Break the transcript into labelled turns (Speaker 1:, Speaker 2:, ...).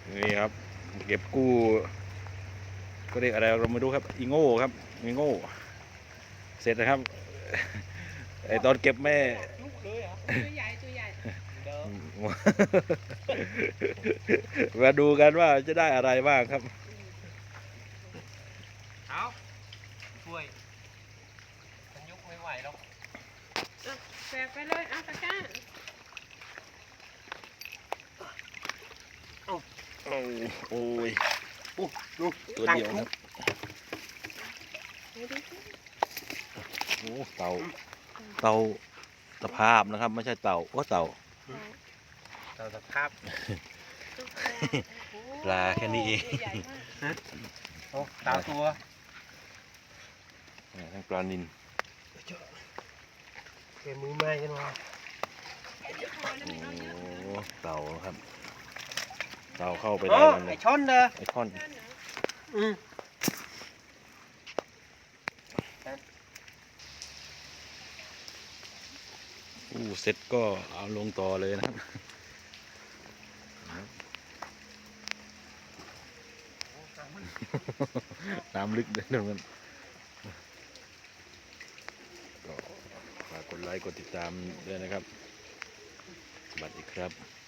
Speaker 1: นี่ครับเก็บกู้ก็เรียกอะไรเราไม่รู้ครับอีโง่ครับอีโง่เสร็จนะครับไอตอนเก็บแม่
Speaker 2: ลูกเลยเหรอตัวใหญ่ตัวใหญ่เดิม
Speaker 1: มาดูกันว่าจะได้อะไรบ้างครับ
Speaker 2: เอาช่วยมันยกไม่ไหวหรอก
Speaker 3: แบกไปเลยเอาตะกร้า
Speaker 1: โอ้ย
Speaker 2: ดู
Speaker 1: ตัวเดียวครับโอ้เต่าตะภาพนะครับไม่ใช่เต่าว่าเต่า
Speaker 2: เราสภาพ
Speaker 1: ปลาแค่นี้เอง
Speaker 3: ตัวใหญ่มาก
Speaker 2: โอ้ตาตัว
Speaker 1: ทั้งปลานิล
Speaker 2: เกมือไม้กันวะ
Speaker 1: โอ้เต่าครับเต่าเข้าไป
Speaker 2: โอ้
Speaker 1: ได้กันเล
Speaker 2: ไอย ช้อนเด้อ
Speaker 1: ไอคอน
Speaker 2: อืม
Speaker 1: เสร็จก็เอาลงต่อเลยนะครับน้ำลึกเดินกันก็ฝากกดไลค์กดติดตามด้วยนะครับสวัสดีครับ